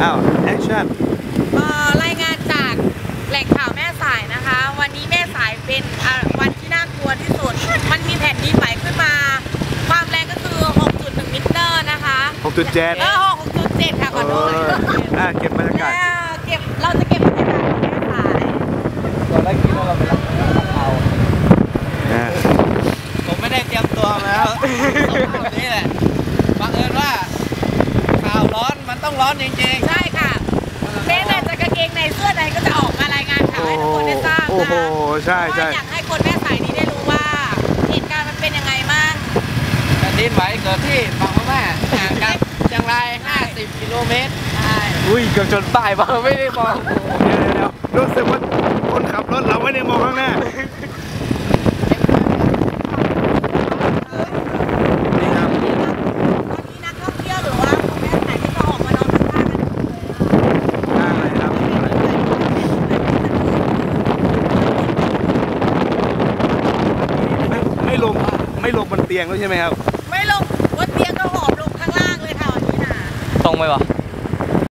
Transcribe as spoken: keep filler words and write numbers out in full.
อ้าวแอคชั่นรายงานจากแหล่งข่าวแม่สายนะคะวันนี้แม่สายเป็นวันที่น่ากลัวที่สุดมันมีแผ่นดินไหวขึ้นมาความแรงก็คือ หกจุดหนึ่ง มิลลิเมตรนะคะหกจุดเจ็ดเออ หกจุดเจ็ด ค่ะขอโทษอ่าเก็บบรรยากาศเก็บเราจะเก็บบรรยากาศของแม่สายตอนแรกคิดว่าเราไปรับข่าวผมไม่ได้เตรียมตัวมาแล้วแบบนี้แหละบังเอิญว่าข่าวร้อนมันต้องร้อนจริงๆใช่ค่ะแม้แต่จะกางเกงในเสื้อใดก็จะออกมารายงานข่าวให้ทุกคนได้ทราบนะโอ้โหใช่ใช่อยากให้คนแม่สายนี้ได้รู้ว่าเหตุการณ์มันเป็นยังไงบ้างแผ่นดินไหวเกิดที่ฝั่งพม่าห่างกันเชียงรายห้าสิบกิโลเมตรอุ้ยเกือบชนป้ายบ้างไม่ได้มองเดี๋ยวเดี๋ยวรู้สึกว่าคนขับรถเราไม่ได้มองข้างหน้าไม่ลงบนเตียงแล้วใช่ไหมครับไม่ลงบนเตียงก็หอบลงข้างล่างเลยค่ะวันนี้นะตรงไปวะ